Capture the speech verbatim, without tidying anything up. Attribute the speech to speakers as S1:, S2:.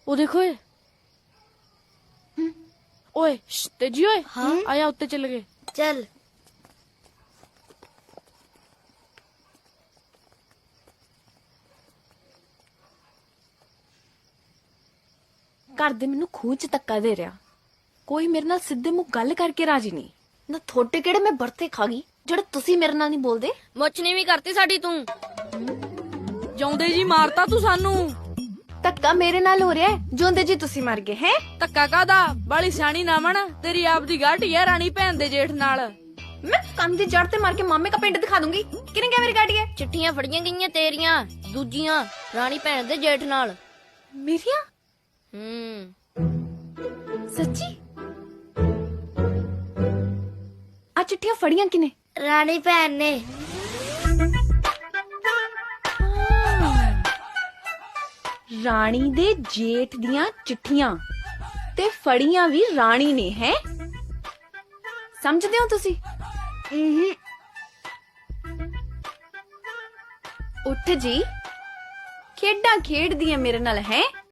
S1: ਉਹ ਦੇਖੋ ਏ ਓਏ ਸ਼ਸ਼, ਤੇਜੀ ਓਏ
S2: ਹਾਂ?
S1: ਆਇਆ ਉੱਤੇ ਚੱਲ ਗਏ।
S2: ਚੱਲ।
S3: ਘਰ ਦੇ ਮੈਨੂੰ ਖੂਹ ਚ ਧੱਕਾ ਦੇ ਰਿਹਾ, ਕੋਈ ਮੇਰੇ ਨਾਲ ਸਿੱਧੇ ਮੂੰਹ ਗੱਲ ਕਰਕੇ ਰਾਜੀ ਨਹੀਂ।
S2: ਨਾ ਥੋੜੇ ਕਿਹੜੇ ਮੈਂ ਬਰਤੇ ਖਾ ਗਈ ਜਿਹੜੇ ਤੁਸੀਂ ਮੇਰੇ ਨਾਲ ਨਹੀਂ ਬੋਲਦੇ।
S1: ਮੁੱਛ ਨਹੀਂ ਵੀ ਕਰਤੀ ਸਾਡੀ ਤੂੰ। ਜਾਉਂਦੇ ਜੀ ਮਾਰਤਾ ਤੂੰ ਸਾਨੂੰ।
S3: ਧੱਕਾ ਮੇਰੇ ਨਾਲ ਹੋ ਰਿਹਾ ਹੈ, ਜਿਉਂਦੇ ਜੀ ਤੁਸੀਂ ਮਰ ਗਏ ਹੈ।
S1: ਧੱਕਾ ਕਾਦਾ? ਬਾਲੀ ਸਿਆਣੀ ਨਾ ਬਣ, ਤੇਰੀ ਆਪ ਦੀ ਗਾਟੀ ਹੈ ਰਾਣੀ ਭੈਣ ਦੇ ਜੇਠ ਨਾਲ।
S3: ਮੈਂ ਕੰਨ ਦੀ ਜੜ ਤੇ ਮਾਰ ਕੇ ਮਾਮੇ ਕਾ ਪਿੰਡ ਦਿਖਾ ਦੂੰਗੀ। ਕਿਹਨੇ ਕਿਹਾ ਮੇਰੀ ਗਾੜੀ ਹੈ?
S1: ਚਿੱਠੀਆਂ ਫੜੀਆਂ ਗਈਆਂ ਤੇਰੀਆਂ, ਦੂਜੀਆਂ ਰਾਣੀ ਭੈਣ ਦੇ ਜੇਠ ਨਾਲ।
S3: ਮੇਰੀਆਂ?
S1: ਹੂੰ
S3: ਸੱਚੀ? ਆ ਚਿੱਠੀਆਂ ਫੜੀਆਂ ਕਿਨੇ?
S2: ਰਾਣੀ ਭੈਣ ਨੇ।
S3: ਰਾਣੀ ਦੇ ਜੇਠ ਦੀਆਂ ਚਿੱਠੀਆਂ ਤੇ ਫੜੀਆਂ ਵੀ ਰਾਣੀ ਨੇ ਹੈ। ਸਮਝਦੇ ਹੋ ਤੁਸੀਂ? ਉੱਠ ਜੀ, ਖੇਡਾਂ ਖੇਡਦੀਆਂ ਮੇਰੇ ਨਾਲ ਹੈ।